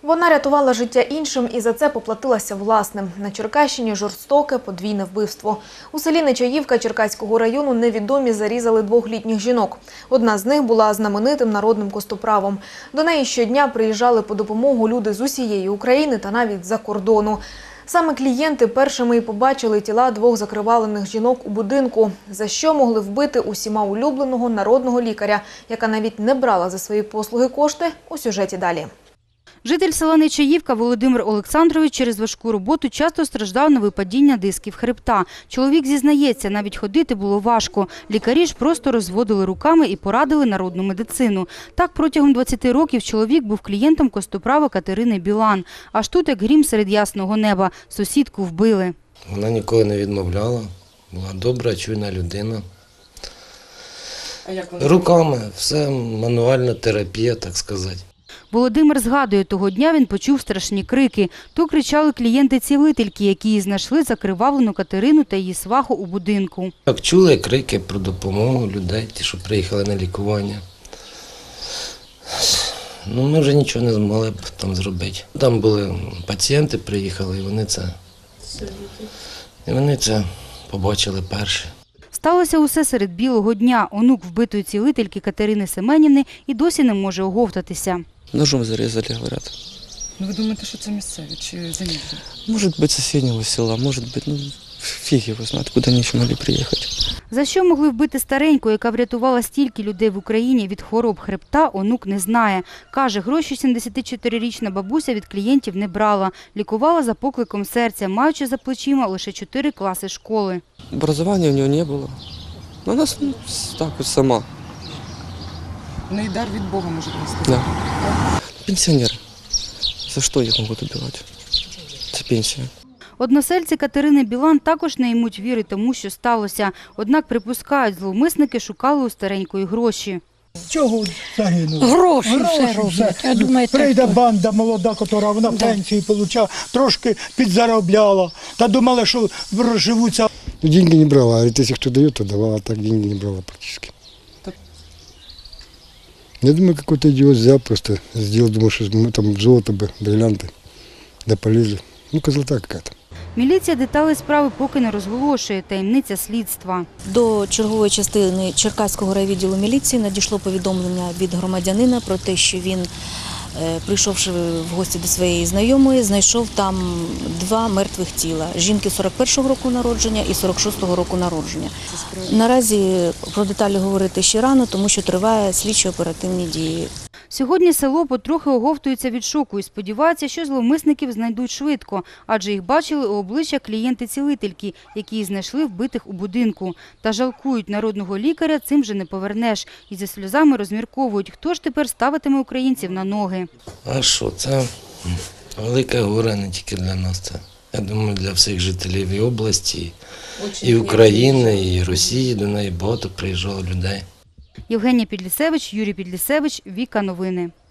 Вона рятувала життя іншим і за це поплатилася власним. На Черкащині жорстоке подвійне вбивство. У селі Нечаївка Черкаського району невідомі зарізали 2 літніх жінок. Одна з них була знаменитим народним костоправом. До неї щодня приїжджали по допомогу люди з усієї України та навіть з-за кордону. Саме клієнти першими і побачили тіла 2 закривавлених жінок у будинку, за що могли вбити усіма улюбленого народного лікаря, яка навіть не брала за свої послуги кошти, у сюжеті далі. Житель села Нечаївка Володимир Олександрович через важку роботу часто страждав на випадіння дисків хребта. Чоловік зізнається, навіть ходити було важко. Лікарі ж просто розводили руками і порадили народну медицину. Так протягом 20 років чоловік був клієнтом костоправа Катерини Білан. Аж тут, як грім серед ясного неба, сусідку вбили. Вона ніколи не відмовляла, була добра, чуйна людина. А як вона? Руками, все мануальна терапія, так сказати. Володимир згадує, того дня він почув страшні крики. То кричали клієнти-цілительки, які її знайшли закривавлену Катерину та її сваху у будинку. Так, чули крики про допомогу людей, ті, що приїхали на лікування. Ми вже нічого не змогли б там зробити. Там були пацієнти, приїхали, і вони це побачили перші. Сталося усе серед білого дня. Онук вбитої цілительки Катерини Семенівни і досі не може оговтатися. Ножом зарезали, говорят. Ну ви думаєте, що це місцеві чи заїжджі? Может быть, соседнего села, может быть, фиг его знает, куда они еще могли приехать. За що могли вбити стареньку, яка врятувала стільки людей в Україні від хвороб хребта, онук не знає. Каже, гроші 74-річна бабуся від клієнтів не брала. Лікувала за покликом серця, маючи за плечима лише 4 класи школи. Образования у нее не было. Она так вот сама. В неї дар від Бога, можна сказати. Да. Пенсионер. За что их могут убивать? Это пенсия. Односельці Катерини Білан також не ймуть віри тому, що сталося. Однак припускають, зловмисники шукали у старенької гроші. Чого загинули? Гроші все роблять. Я думаю, Прийде банда молода, яка вона пенсію отримала, трошки підзаробляла. Та думала, що розживуться. Деньги не брала, а если кто дает, то давала, а так деньги не брала практически. Я думаю, какой-то идиот взял, просто сделал, думал, что мы там золото бы, бриллианты, да полезли. Козлота какая-то. Міліція деталі справи поки не розголошує, таємниця слідства. До чергової частини Черкаського райвідділу міліції надійшло повідомлення від громадянина про те, що він, прийшовши в гості до своєї знайомої, знайшов там 2 мертвих тіла – жінки 41-го року народження і 46-го року народження. Наразі про деталі говорити ще рано, тому що триває слідчо-оперативні дії. Сьогодні село потрохи оговтується від шоку і сподівається, що зловмисників знайдуть швидко, адже їх бачили у обличчя клієнти-цілительки, які знайшли вбитих у будинку. Та жалкують, народного лікаря цим же не повернеш. І зі сльозами розмірковують, хто ж тепер ставитиме українців на ноги. А що, це велике горе не тільки для нас. Це, я думаю, для всіх жителів і області, і України, і Росії. До неї багато приїжджало людей. Євгенія Підлісевич, Юрій Підлісевич, Віка Новини.